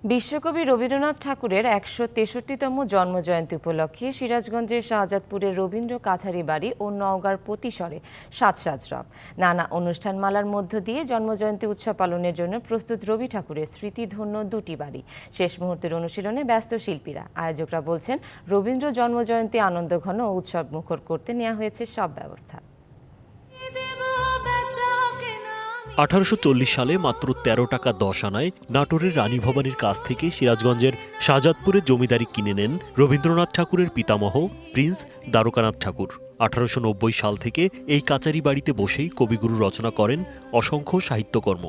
বিশ্বকবি রবীন্দ্রনাথ ঠাকুরের ১৬৩তম জন্মজয়ন্তী উপলক্ষে সিরাজগঞ্জের শাহজাদপুরের রবীন্দ্র কাছারি বাড়ি ও নওগাঁর পতিসরে সাজসরব নানা অনুষ্ঠানমালার মধ্য দিয়ে জন্মজয়ন্তী উৎসব পালনের জন্য প্রস্তুত রবি ঠাকুরের স্মৃতিধন্য দুটি বাড়ি। শেষ মুহূর্তের অনুশীলনে ব্যস্ত শিল্পীরা। আয়োজকরা বলছেন, রবীন্দ্র জন্মজয়ন্তী আনন্দঘন ও উৎসব মুখর করতে নেওয়া হয়েছে সব ব্যবস্থা। 1840 সালে মাত্র ১৩ টাকা ১০ আনায় নাটোরের রানী ভবানীর কাছ থেকে সিরাজগঞ্জের শাহজাদপুরে জমিদারি কিনে নেন রবীন্দ্রনাথ ঠাকুরের পিতামহ প্রিন্স দ্বারকানাথ ঠাকুর। 1890 সাল থেকে এই কাচারি বাড়িতে বসেই কবিগুরু রচনা করেন অসংখ্য সাহিত্যকর্ম।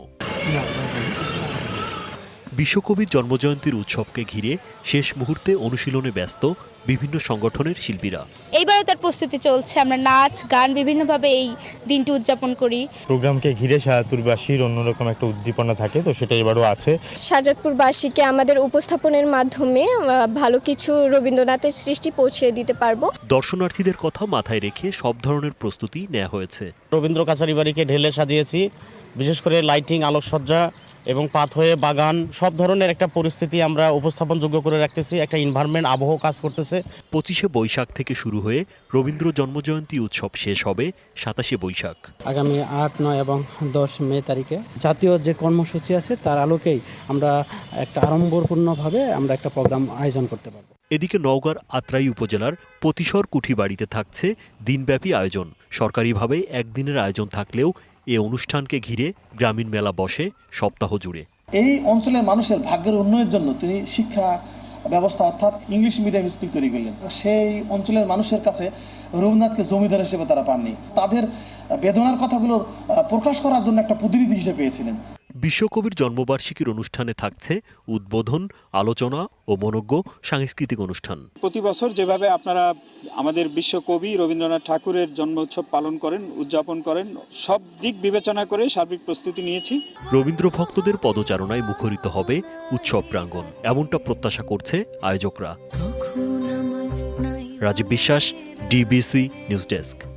বিশ্বকবির জন্মজয়ন্তীর উৎসবকে ঘিরে শেষ মুহূর্তে অনুশীলনে ব্যস্ত বিভিন্ন সংগঠনের শিল্পীরা। এইবারও তার প্রস্তুতি চলছে, আমরা নাচ গান বিভিন্নভাবে এই দিনটি উদযাপন করি। প্রোগ্রামকে ঘিরে শাহজাদপুরবাসীর অন্যরকম একটা উদ্দীপনা থাকে, তো সেটা এবারও আছে। শাহজাদপুরবাসীকে আমাদের উপস্থাপনের মাধ্যমে ভালো কিছু রবীন্দ্রনাথের সৃষ্টি পৌঁছে দিতে পারবো। দর্শনার্থীদের কথা মাথায় রেখে সব ধরনের প্রস্তুতি নেওয়া হয়েছে। রবীন্দ্র কাছারি বাড়িকে ঢেলে সাজিয়েছি, বিশেষ করে লাইটিং, আলোকসজ্জা এবং পাথওয়ে, বাগান, সব ধরনের একটা পরিস্থিতি আমরা উপস্থাপনযোগ্য করে রাখতেছি। একটা এনভায়রনমেন্ট, আবহ কাজ করতেছে। 25শে বৈশাখ থেকে শুরু হয়ে রবীন্দ্র জন্মজয়ন্তী উৎসব শেষ হবে 27শে বৈশাখ। আগামী 8, 9 এবং 10 মে তারিখে জাতীয় যে কর্মসূচি আছে তার আলোকেই আমরা একটা আড়ম্বরপূর্ণভাবে আমরা একটা প্রোগ্রাম আয়োজন করতে পারব। এদিকে নওগাঁর আত্রাই উপজেলার পতিসর কুঠি বাড়িতে থাকছে দিনব্যাপী আয়োজন। সরকারিভাবে একদিনের আয়োজন থাকলেও এ অনুষ্ঠানকে ঘিরে গ্রামীণ মেলা বসে সপ্তাহ জুড়ে। এই অঞ্চলের মানুষের ভাগ্যের উন্নয়নের জন্য তিনি শিক্ষা ব্যবস্থা অর্থাৎ ইংলিশ মিডিয়াম স্কুল তৈরি করলেন। সেই অঞ্চলের মানুষের কাছে রবীন্দ্রনাথকে জমিদার হিসেবে তারা পাননি, তাদের বেদনার কথাগুলো প্রকাশ করার জন্য একটা প্রতিনিধি হিসেবে পেয়েছিলেন। বিশ্বকবির জন্মবার্ষিকীর অনুষ্ঠানে থাকছে উদ্বোধন, আলোচনা ও মনোজ্ঞ সাংস্কৃতিক অনুষ্ঠান। প্রতি বছর যেভাবে আপনারা আমাদের বিশ্বকবি রবীন্দ্রনাথ ঠাকুরের জন্ম উৎসব পালন করেন, উদযাপন করেন, সব দিক বিবেচনা করে সার্বিক প্রস্তুতি নিয়েছি। রবীন্দ্র ভক্তদের পদচারণায় মুখরিত হবে উৎসব প্রাঙ্গণ, এমনটা প্রত্যাশা করছে আয়োজকরা। রাজীব বিশ্বাস, ডিবিসি নিউজ ডেস্ক।